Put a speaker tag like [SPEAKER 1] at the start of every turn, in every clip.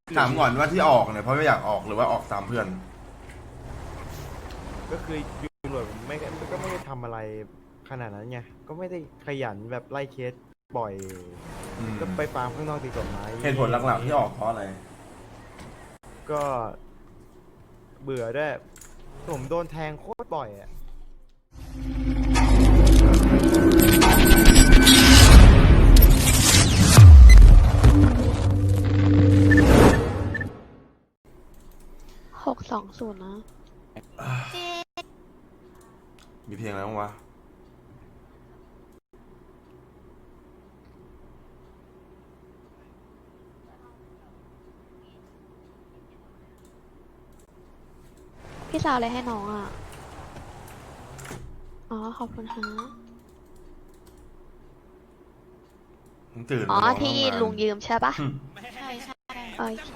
[SPEAKER 1] ถามก่อนว่าที่ออกเนี่ยเพราะไม่อยากออกหรือว่าออกตามเพื่อน
[SPEAKER 2] ก็คืออยู่ตำรวจผมก็ไม่ได้ทำอะไรขนาดนั้นไงก็ไม่ได้ขยันแบบไล่เคสบ่อยก็ไปฟาร์มข้างนอกตีกฎหมาย
[SPEAKER 1] เหตุผลหลักๆที่ออกเพราะอะไร
[SPEAKER 2] ก็เบื่อด้วยผมโดนแทงโคตรบ่อยอ่ะ
[SPEAKER 3] 620นะ
[SPEAKER 1] มีเพลงอะไรบ้างวะ
[SPEAKER 3] พี่สาวอะไรให้น้องอ่ะอ๋อขอบคุณฮะ
[SPEAKER 1] มึงตื่น
[SPEAKER 3] อ๋อ
[SPEAKER 1] มาร้ง
[SPEAKER 3] ที่
[SPEAKER 1] ทำงาน
[SPEAKER 3] ลุงยืมใช่ปะ
[SPEAKER 4] ใช่ใช่
[SPEAKER 3] โอเค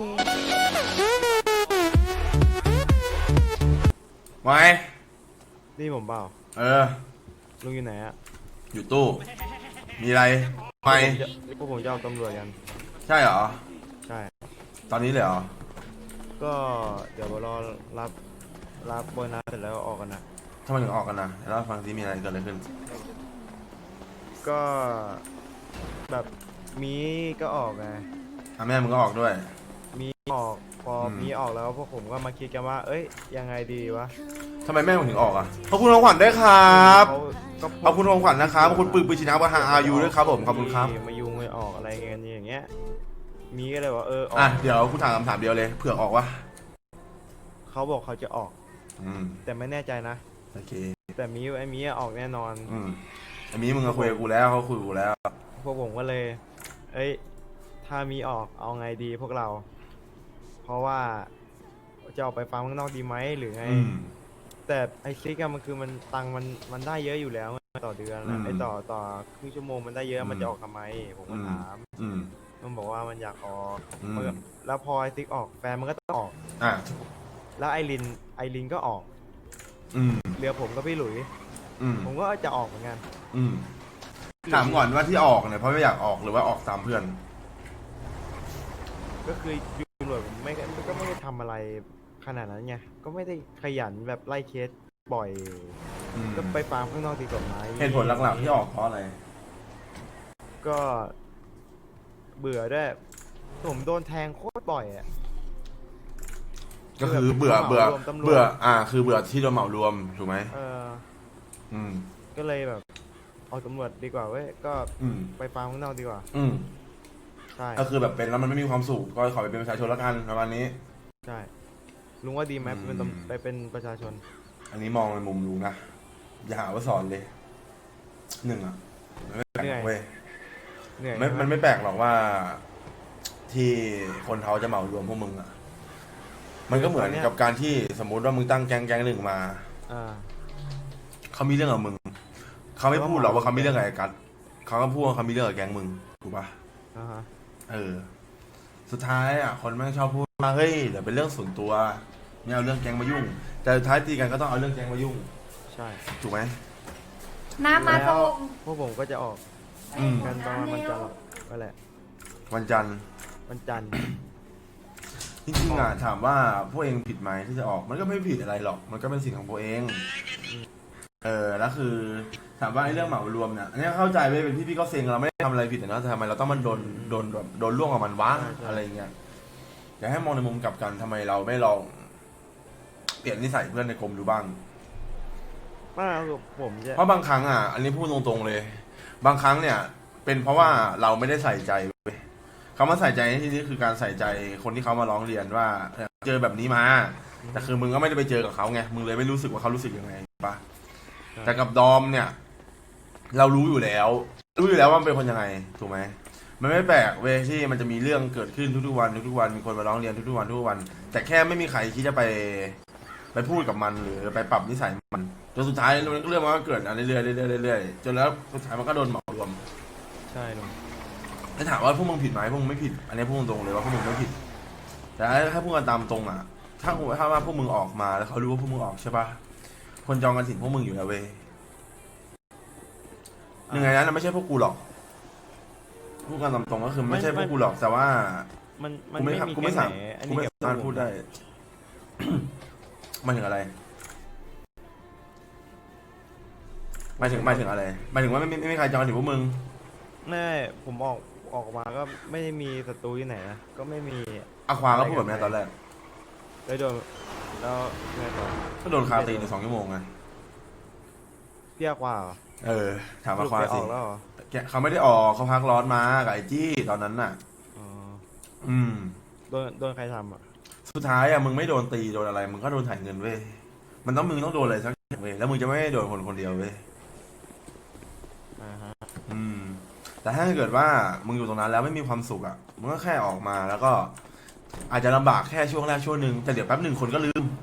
[SPEAKER 1] ไว้
[SPEAKER 2] นี่ผมเปล่า
[SPEAKER 1] เออ
[SPEAKER 2] ลุงอยู่ไหนอ่ะ
[SPEAKER 1] อยู่ตู้ มีอะไรไม่
[SPEAKER 2] พวกผมจะเอาตำรวจกัน
[SPEAKER 1] ใช่เหรอ
[SPEAKER 2] ใช่
[SPEAKER 1] ตอนนี้เลยเหรอ
[SPEAKER 2] ก็เดี๋ยวรอรับโบนัสเสร็จแล้วออกกันนะ
[SPEAKER 1] ทำไมถึงออกกันนะแล้วฟังซิมีอะไรเกิดอะไรขึ้น
[SPEAKER 2] ก็แบบมีก็ออกไง
[SPEAKER 1] แม่มึงก็ออกด้วย
[SPEAKER 2] มีออกพอมีออกแล้วพวกผมก็มาคิดกันว่า เอ้ยยังไงดีวะ
[SPEAKER 1] ทำไมแม่มึงถึงออกอ่ะขอบคุณของขวัญด้วยครับ
[SPEAKER 2] เขาก็
[SPEAKER 1] ขอบคุณของขวัญนะครับขอบคุณปืนชินะประธานอายุด้วยครับผมขอบคุณครับ
[SPEAKER 2] มายุงไม่ออกอะไรเงี้ยอย่างเงี้ยมีก็เลยว่าออก
[SPEAKER 1] อ่ะเดี๋ยวกูถามคำถามเดียวเลยเผื่อออกวะ
[SPEAKER 2] เขาบอกเขาจะออก
[SPEAKER 1] อืม
[SPEAKER 2] แต่ไม่แน่ใจนะ
[SPEAKER 1] โอเค
[SPEAKER 2] แต่ไอ้มีออกแน่นอน
[SPEAKER 1] อันนี้มึงก็คุยกับกูแล้วเขาคุยกับกูแล้ว
[SPEAKER 2] พวกผมก็เลย เอ้ยถ้ามีออกเอาไงดีพวกเรา เพราะว่าจะออกไปฟาร์มข้างนอกดีไหมหรือไง แต่ไอซิกอะมันคือมันตังค์มันได้เยอะอยู่แล้วต่อเดือนนะไอต่อครึ่งชั่วโมงมันได้เยอะมันจะออกทำไมผมก็ถาม มันบอกว่ามันอยากออกแล้วพอไอซิกออกแฟนมันก็ต้องออก
[SPEAKER 1] อ่ะ
[SPEAKER 2] แล้วไอรินก็ออกเหลือผมกับพี่หลุยผมก็จะออกเหมือนกัน
[SPEAKER 1] ถามก่อนว่าที่ออกเนี่ยเพราะไม่อยากออกหรือว่าออกตามเพื่อน
[SPEAKER 2] ก็คืออยู่ตำรวจผมก็ไม่ได้ทำอะไรขนาดนั้นไงก็ไม่ได้ขยันแบบไล่เคสบ่อยก็ไปฟาร์มข้างนอกตีกฎหมาย
[SPEAKER 1] เหตุผลหลักๆที่ออกเพราะอะไร
[SPEAKER 2] ก็เบื่อด้วยผมโดนแทงโคตรบ่อยอ่ะ
[SPEAKER 1] ก็คือเบื่อ คือเบื่อที่โดนเหมารวมถูกไหม
[SPEAKER 2] ก็เลยแบบออกตำรวจดีกว่าเว้ยก็ไปฟาร์มข้างนอกดีกว่าใช่
[SPEAKER 1] ก็คือแบบเป็นแล้วมันไม่มีความสุขก็ขอไปเป็นประชาชนละกันประมาณนี้
[SPEAKER 2] ใช่ลุงว่าดีไหมไปเป็นประชาชน
[SPEAKER 1] อันนี้มองในมุมลุงนะอย่าหาว่าสอนเลยหนึ่งอ่ะมันไม่แปลกหรอกเว้ย
[SPEAKER 2] เหนื่อย
[SPEAKER 1] มันไม่แปลกหรอกว่า ที่คนเขาจะเหมารวมพวกมึงอ่ะมันก็เหมือนกับการที่สมมุติว่ามึงตั้งแก๊งหนึ่งมาเขามีเรื่องกับมึงเขาไม่พูดหรอกว่าเขามีเรื่องกับไอ้กัดเขาก็พูดว่าเขามีเรื่องกับแก๊งมึงถูกปะสุดท้ายอ่ะคนแม่งชอบพูดว่าเฮ้ยเดี๋ยวเป็นเรื่องส่วนตัวไม่เอาเรื่องแก๊งมายุ่งแต่สุดท้ายตีกันก็ต้องเอาเรื่องแก๊งมายุ่ง
[SPEAKER 2] ใช่
[SPEAKER 1] ถูกไหม
[SPEAKER 4] น้ำมา
[SPEAKER 2] แล้
[SPEAKER 4] ส่
[SPEAKER 2] ว
[SPEAKER 4] ง
[SPEAKER 2] พวกผมก็จะออกกันประมาณวันจันทร์ก็แหละ
[SPEAKER 1] วันจันทร์
[SPEAKER 2] วันจันทร์
[SPEAKER 1] จริงๆอ่ะถามว่าพวกเองผิดไหมที่จะออกมันก็ไม่ผิดอะไรหรอกมันก็เป็นสิ่งของพวกเองแล้วคือถามว่าไอ้เรื่องเหมารวมเนี่ยอันนี้เข้าใจไปเป็นพี่ก็เซ็งเราไม่ได้ทำอะไรผิดนะแต่ทำไมเราต้องมันโดนล่วงกับมันวะอะไรเงี้ยอยากให้มองในมุมกลับกันทำไมเราไม่ลองเปลี่ยนนิสัยเพื่อนในกรมดูบ้าง
[SPEAKER 2] ว่าผมจะ
[SPEAKER 1] เพราะบางครั้งอ่ะอันนี้พูดตรงๆเลย บางครั้งเนี่ย เป็นเพราะว่าเราไม่ได้ใส่ใจเว้ยคำว่าใส่ใจในที่นี้คือการใส่ใจคนที่เขามาร้องเรียนว่าเจอแบบนี้มาแต่คือมึงก็ไม่ได้ไปเจอกับเขาไงมึงเลยไม่รู้สึกว่าเขารู้สึกยังไงปะแต่กับดอมเนี่ย เรารู้อยู่แล้วว่ามันเป็นคนยังไงถูกไหมมันไม่แปลกเว้ยที่มันจะมีเรื่องเกิดขึ้นทุกๆวันมีคนมาร้องเรียนทุกๆวันแต่แค่ไม่มีใครที่จะไปพูดกับมันหรือไปปรับนิสัยมันจนสุดท้ายเรื่องมันก็เกิดอะไรเรื่อยๆจนแล้วสุดท้ายมันก็โดนเหมารวม
[SPEAKER 2] ใช่ลุง
[SPEAKER 1] ถ้าถามว่าพวกมึงผิดไหมพวกมึงไม่ผิดอันนี้พูดตรงๆเลยว่าพวกมึงไม่ผิดแต่ถ้าพูดกันตามตรงอ่ะถ้าว่าพวกมึงออกมาแล้วเขารู้ว่าพวกมึงออกใช่ปะคนจองกันถึงพวกมึงอยู่แล้วเว้ยยังไงนั้นไม่ใช่พวกกูหรอกพูดกันตามตรงก็คือไม่ใช่พวกกูหรอกแต่ว่า
[SPEAKER 2] มัน
[SPEAKER 1] กูไม่
[SPEAKER 2] ไม่มี
[SPEAKER 1] กู
[SPEAKER 2] แก๊
[SPEAKER 1] ไม่
[SPEAKER 2] ง
[SPEAKER 1] สา
[SPEAKER 2] ไหน
[SPEAKER 1] ม
[SPEAKER 2] อัน
[SPEAKER 1] กู
[SPEAKER 2] นี้
[SPEAKER 1] ไม่
[SPEAKER 2] เก็บ
[SPEAKER 1] สามารถพูดได้ หมายถึงอะไรหมายถึงอะไรหมายถึงว่าไม่มีใครจองถึงพวกมึง
[SPEAKER 2] แน่ผมออกมาก็ไม่ได้มีศัตรูที่ไหนนะก็ไม่มี
[SPEAKER 1] อาควาก็พูดแบบนี้ตอนแรก
[SPEAKER 2] แล้วโดนแล้วไงต่อ
[SPEAKER 1] ก็โดนคาตีใน2 ชั่วโมงไง
[SPEAKER 2] เรียกว่าเหรอ
[SPEAKER 1] เออ ถาม
[SPEAKER 2] ส
[SPEAKER 1] อา
[SPEAKER 2] รุป
[SPEAKER 1] ควา
[SPEAKER 2] ไปอ
[SPEAKER 1] สิ
[SPEAKER 2] อกแล้วเหรอ
[SPEAKER 1] เขาไม่ได้ออกเขาพักร้อนมากับไอ้จี้ตอนนั้นน่ะ
[SPEAKER 2] อ๋อ
[SPEAKER 1] อืม
[SPEAKER 2] โดนใครทำอ่ะ
[SPEAKER 1] สุดท้ายอะมึงไม่โดนตีโดนอะไร มึงก็โดนถ่ายเงินเว้ย มึงต้องโดนอะไรสักอย่างเว้ย แล้วมึงจะไม่ได้โดนคนเดียวเว้ย
[SPEAKER 2] อ่าฮะ
[SPEAKER 1] อืม แต่ถ้าเกิดว่ามึงอยู่ตรงนั้นแล้วไม่มีความสุขอะมึงก็แค่ออกมาแล้วก็ อาจจะลำบากแค่ช่วงแรกช่วงหนึ่งแต่เดี๋ยวแป๊บหนึ่งคนก็ลืม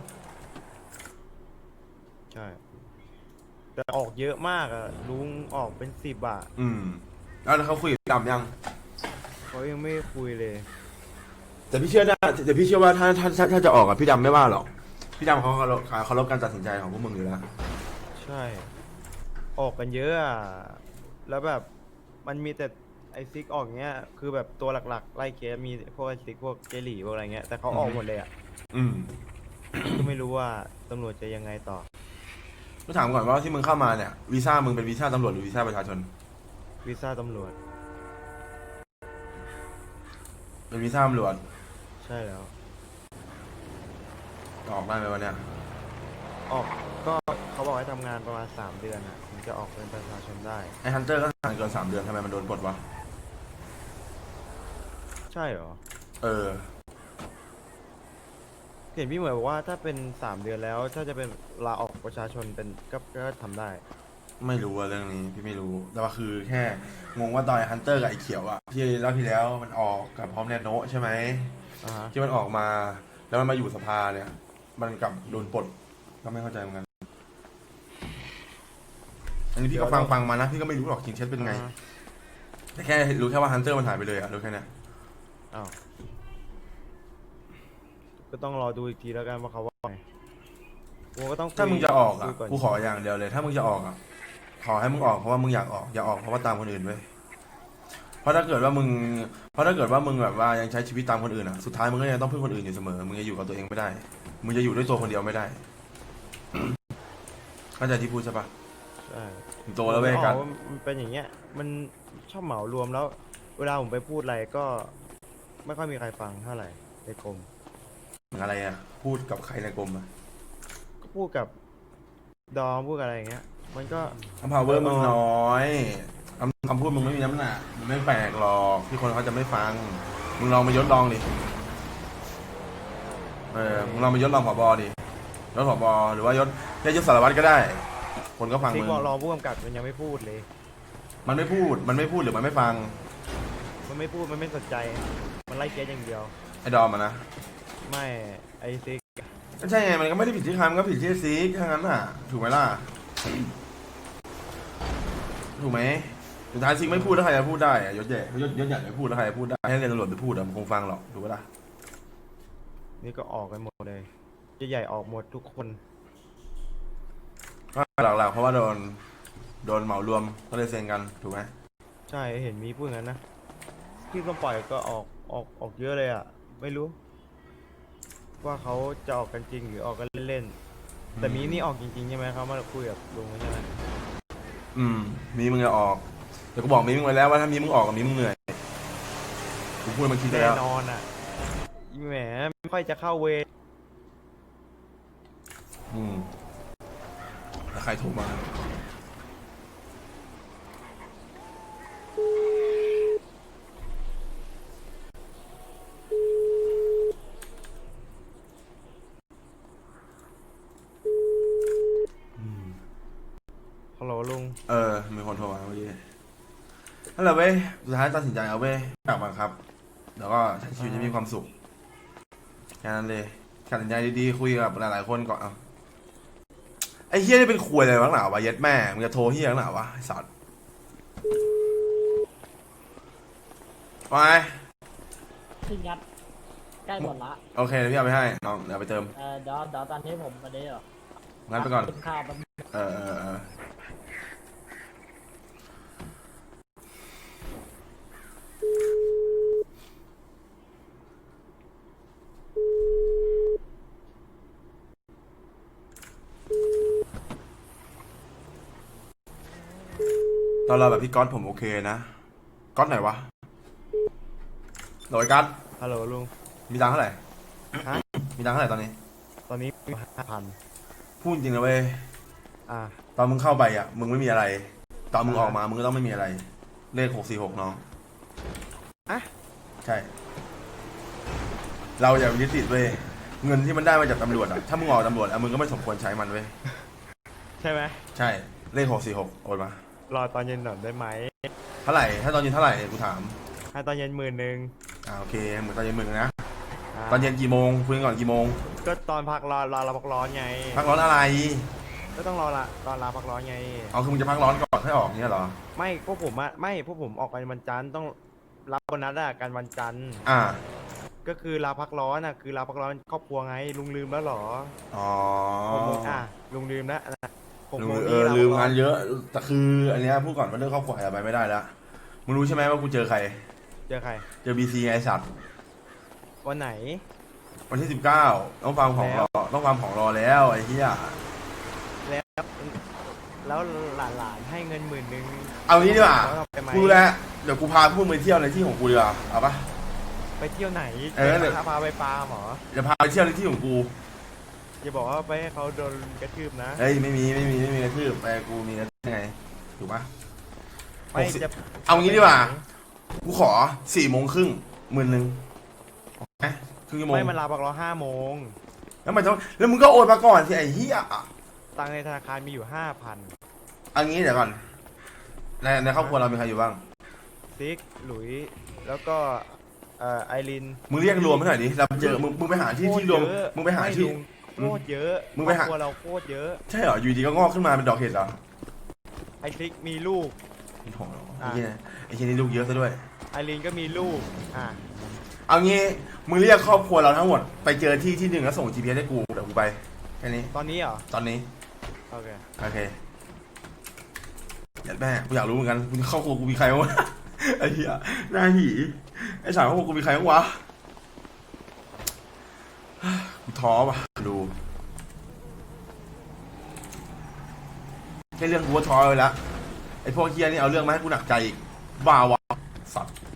[SPEAKER 2] ใช่แต่ออกเยอะมากอ่ะลุงออกเป็น10อ่ะ
[SPEAKER 1] อืม แล้วเขาคุยกับพี่ดำยัง
[SPEAKER 2] เขายังไม่คุยเลย
[SPEAKER 1] แต่พี่เชื่อได้แต่พี่เชื่อว่าถ้าจะออกอะพี่ดำไม่ว่าหรอก พี่ดำเขาเคารพการตัดสินใจของพวกมึงอยู่แล้ว
[SPEAKER 2] ใช่ ออกกันเยอะอ่ะแล้วแบบมันมีแต่ไอซิกออกเงี้ยคือแบบตัวหลักๆไล่เคสมีพวกไอซิกพวกเจหลี่พวกอะไรเงี้ยแต่เขาออกหมดเลยอ่ะ
[SPEAKER 1] อืม
[SPEAKER 2] ก็ไม่รู้ว่าตำรวจจะยังไงต่อ
[SPEAKER 1] ก็ถามก่อนว่าที่มึงเข้ามาเนี่ยวีซ่ามึงเป็นวีซ่าตำรวจหรือวีซ่าประชาชน
[SPEAKER 2] วีซ่าตำรวจ
[SPEAKER 1] เป็นวีซ่าตำรวจ
[SPEAKER 2] ใช่แล้ว
[SPEAKER 1] ออกได้ไหมวันเนี้ย
[SPEAKER 2] ออกก็เขาบอกให้ทำงานประมาณ3 เดือนอ่ะถึงจะออกเป็นประชาชนได้
[SPEAKER 1] ไอ้ฮันเตอร์ก็ทำงานเกิน3 เดือนทำไมมันโดนปลดวะ
[SPEAKER 2] ใช่เหรอ
[SPEAKER 1] เออ
[SPEAKER 2] เห็นพี่เหมยบอกว่าถ้าเป็น3 เดือนแล้วถ้าจะเป็นลาออกประชาชนเป็นก็ทำได้
[SPEAKER 1] ไม่รู้อะเรื่องนี้พี่ไม่รู้ แต่ว่าคือแค่งงว่าตอนไอ้ฮันเตอร์กับไอ้เขียวอะที่รอบที่แล้วมันออกกับพร้อมแนทโนะใช่ไหม
[SPEAKER 2] อ่าฮะ
[SPEAKER 1] ที่มันออกมา แล้วมันมาอยู่สภาเนี่ย มันกลับโดนปลดก็ไม่เข้าใจเหมือนกัน อันนี้พี่ก็ฟังมานะพี่ก็ไม่รู้หรอกจริงเท็จเป็นไง แต่แค่รู้แค่ว่าฮันเตอร์มันหายไปเลยอะรู้แค่เนี้ย
[SPEAKER 2] อ้าวก็ต้องรอดูอีกทีแล้วกันว่าเขาว่าไงกูก็ต้องคุย
[SPEAKER 1] ถ้ามึงจะออกอะ
[SPEAKER 2] คุยน
[SPEAKER 1] กูขออย่างเดียวเลย ถ้ามึงจะออกอะขอให้มึงออกเพราะว่ามึงอยากออกอย่าออกเพราะว่าตามคนอื่นเว้ยเพราะถ้าเกิดว่ามึงแบบว่ายังใช้ชีวิตตามคนอื่นอะสุดท้ายมึงก็ยังต้องพึ่งคนอื่นอยู่เสมอมึงจะอยู่กับตัวเองไม่ได้ มึงจะอยู่ด้วยตัวคนเดียวไม่ได้ เข้าใจที่พูดใช่ปะ
[SPEAKER 2] ใช่
[SPEAKER 1] มึงโตแล้วเว้ยกัน
[SPEAKER 2] มันเป็นอย่างเงี้ย มันชอบเหมารวมแล้ว เวลาผมไปพูดอะไรก็ ไม่ค่อยมีใครฟังเท่าไหร่ในกรม
[SPEAKER 1] อะไรอะพูดกับใครในกรมอะ
[SPEAKER 2] ก็พูดกับดอมพูดกับอะไรอย่างเงี้ย มันก็
[SPEAKER 1] power มึงน้อยคำพูดมึงไม่มีน้ำหนักมันไม่แปลกหรอกที่คนเขาจะไม่ฟัง มึงลองมายศลองดิมึงลองมายศลองผบดิยศผบหรือว่ายศยศสารวัตรก็ได้ คนก็ฟัง
[SPEAKER 2] ซิก
[SPEAKER 1] มึง
[SPEAKER 2] บอกรองผู้กำกับมันยังไม่พูดเลย
[SPEAKER 1] มันไม่พูดหรือมันไม่ฟัง
[SPEAKER 2] มันไม่พูดมันไม่สนใจ มันไล่เคสอย่างเดียว
[SPEAKER 1] ไอ้ดอมอะนะ
[SPEAKER 2] ไม่ไอซิก
[SPEAKER 1] ก็ใช่ไงมันก็ไม่ได้ผิดที่ใครมันก็ผิดที่ซีกทั้งนั้นอ่ะ ถูกไหมล่ะ ถูกไหมสุดท้ายซิกไม่พูดแล้วใครจะพูดได้อะยศใหญ่ไม่พูดแล้วใครจะพูดได้ให้เรียนตำรวจไปพูดอะมันคงฟังหรอกถูกไหมล่ะ
[SPEAKER 2] นี่ก็ออกกันหมดเลยใหญ่ๆออกหมดทุกคน
[SPEAKER 1] ก็หลักๆเพราะว่าโดนเหมารวมก็เลยเซ็นกันถูกไหม
[SPEAKER 2] ใช่เห็นมีพูดงั้นนะที่ต้องปล่อยก็ออกเยอะเลยอ่ะ ไม่รู้ ว่าเขาจะออกกันจริงหรือออกกันเล่นๆแต่มีนี่ออกจริงๆใช่ไหมเขามาคุยกับลุงใช่ไหม
[SPEAKER 1] มีมึงจะออกแต่กูบอกมีมึงไว้แล้วว่าถ้ามีมึงออกกับมีมึงเหนื่อยกูพูดมาคิดไป
[SPEAKER 2] แน่
[SPEAKER 1] แล้ว
[SPEAKER 2] นอนอ่ะแหมไม่ค่อยจะเข้าเวร
[SPEAKER 1] แล้วใครโทรมา
[SPEAKER 2] ฮัลโหลลุง
[SPEAKER 1] มีคนโทรมาเมื่อกี้นั่นแหละเว้ยสุดท้ายตัดสินใจเอาเว้ยอยากบังคับแล้วก็ใช้ชีวิตให้มีความสุขแค่นั้นเลยตัดสินใจดีๆคุยกับหลายๆคนก่อนเอาไอ้เฮียนี่เป็นควยอะไรบ้างหนาวะเย็ดแม่มึงจะโทรเฮียบ้างหนาวะไอ้สัตว์ไป
[SPEAKER 5] พี่งัดใกล้หมดละ
[SPEAKER 1] โอเคเดี๋ยวพี่เอาไปให้น้องเดี๋ยวเอาไปเติม
[SPEAKER 5] เดี๋ยวตอนนี้ผมมาเดี๋ยว
[SPEAKER 1] งั้นไปก่อน
[SPEAKER 5] กินข้าวแป๊บนึง
[SPEAKER 1] เออตอนเราแบบพี่ก๊อตผมโอเคนะก๊อตไหนวะโดยก๊อต
[SPEAKER 2] ฮัลโหลลุง
[SPEAKER 1] มีตังค์เท่าไหร่
[SPEAKER 2] ฮะ
[SPEAKER 1] มีตังค์เท่าไหร่ตอนนี้
[SPEAKER 2] ตอนนี้มี5,000
[SPEAKER 1] พูดจริงนะเว้ย
[SPEAKER 2] อ่ะ
[SPEAKER 1] ตอนมึงเข้าไปอ่ะมึงไม่มีอะไร ตอนมึงออกมามึงก็ต้องไม่มีอะไร เลข646น้อง
[SPEAKER 2] อ่ะ
[SPEAKER 1] ใช่ เราอย่ายึดติดเว้ยเงินที่มันได้มาจากตำรวจอ่ะถ้ามึงออกตำรวจอ่ะมึงก็ไม่สมควรใช้มันเว้ย
[SPEAKER 2] ใช่ไหม
[SPEAKER 1] ใช่เลข646โอนมาร
[SPEAKER 2] อตอนเย็นหน่อยได้ไหม
[SPEAKER 1] เท่าไหร่ถ้าตอนเย็นเท่าไหร่กูถาม
[SPEAKER 2] ให้ตอนเย็น10,000
[SPEAKER 1] โอเคเหมือนตอนเย็นมึงนะ
[SPEAKER 2] อ่ะ
[SPEAKER 1] ตอนเย็นกี่โมงคุยกันก่อนกี่โมง
[SPEAKER 2] ก็ตอนพักรอเราพักร้อนไง
[SPEAKER 1] พักร้อนอะไร
[SPEAKER 2] ก็ต้องรอละตอนลาพักร้อนไง
[SPEAKER 1] เอาคือมึงจะพักร้อนก่อนค่อยออกเนี่ยเหรอ
[SPEAKER 2] ไม่พวกผมอะไม่พวกผมออกกันวันจันทร์ต้องรับโบนัสอะกันวันจันทร์
[SPEAKER 1] อ่า
[SPEAKER 2] ก็คือลาพักร้อนอะคือลาพักร้อนครอบครัวไงลุงลืมแล้วเหรอ
[SPEAKER 1] อ๋อ
[SPEAKER 2] 6 โมงลุงลืมแล้ว6 โมง
[SPEAKER 1] ลืมงานเยอะ แต่คืออันเนี้ยพูดก่อนว่าเรื่องครอบครัวอะไรไปไม่ได้แล้วมึงรู้ใช่ไหมว่ากูเจอใคร
[SPEAKER 2] เจอใคร
[SPEAKER 1] เจอบีซีไงไอ้สัตว์
[SPEAKER 2] วันไหน
[SPEAKER 1] วันที่19ต้องฟังของรอต้องฟังของรอแล้วไอ้เหี้ย
[SPEAKER 2] แล้วหลานให้เงิน10,000
[SPEAKER 1] เอางี้ดีกว่า
[SPEAKER 2] แล้วเรไปไหม
[SPEAKER 1] กูรู้แล้วเดี๋ยวกูพาพวกมึงไปเที่ยวในที่ของกูดีกว่าเอาปะ
[SPEAKER 2] ไปเที่ยวไหน
[SPEAKER 1] เออเดี๋ยว
[SPEAKER 2] พาไปฟาร์มเหรอ
[SPEAKER 1] เดี๋ยวพาไปเที่ยวในที่ของกู
[SPEAKER 2] อย่าบอกว่าไปให้เขาโดนกระทืบนะ
[SPEAKER 1] เฮ้ยไม่มีกระทืบแต่กูมีกระทืบยังไงถูกปะ
[SPEAKER 2] ไม่
[SPEAKER 1] 60
[SPEAKER 2] จะ
[SPEAKER 1] เอางี้ดีกว่า กูขอ4:30 10,000โอเคครึ่งชั่วโมง
[SPEAKER 2] ไม่มันลาพักร้อน5 โมง
[SPEAKER 1] แล้วมันต้องแล้วมึงก็โอนมาก่อนสิไอ้เหี้ย
[SPEAKER 2] ตังค์ในธนาคารมีอยู่ 5,000
[SPEAKER 1] เอางี้เดี๋ยวก่อนในครอบครัวเรามีใครอยู่บ้าง
[SPEAKER 2] ซิกหลุยแล้วก็ไอริน
[SPEAKER 1] มึงเรียกรวมให้หน่อยดิเราเจอมึงไปหาที่รวมมึงไปหาที่
[SPEAKER 2] โคตรเยอะ
[SPEAKER 1] มึงไปหา
[SPEAKER 2] ครอบครัวเราโคตรเยอะ
[SPEAKER 1] ใช่เหรออยู่ดีก็งอกขึ้นมาเป็นดอกเห็ดเหรอ
[SPEAKER 2] ไอซิกมีลูก
[SPEAKER 1] ไอ้โถไอ้เหี้ยไอ้เหี้ยนี่ลูกเยอะซะด้วย
[SPEAKER 2] ไอรินก็มีลูก
[SPEAKER 1] เอางี้มึงเรียกครอบครัวเราทั้งหมดไปเจอที่หนึ่งแล้วส่ง GPS ให้กูเดี๋ยวกูไปแค่นี้
[SPEAKER 2] ตอนนี้เหรอ
[SPEAKER 1] ตอนนี้
[SPEAKER 2] โอเค
[SPEAKER 1] โอเคอยากแม่กูอยากรู้เหมือนกันครอบครัวกูมีใครบ้างวะ ไอ้เหี้ยหน้าหีไอ้สาวครอบครัวกูมีใครบ้างวะ กูท้อว่ะดูแค่เรื่องกูก็ท้อไปแล้วไอ้พวกเฮียนี่เอาเรื่องมาให้กูหนักใจอีกบ้าวะสัตว์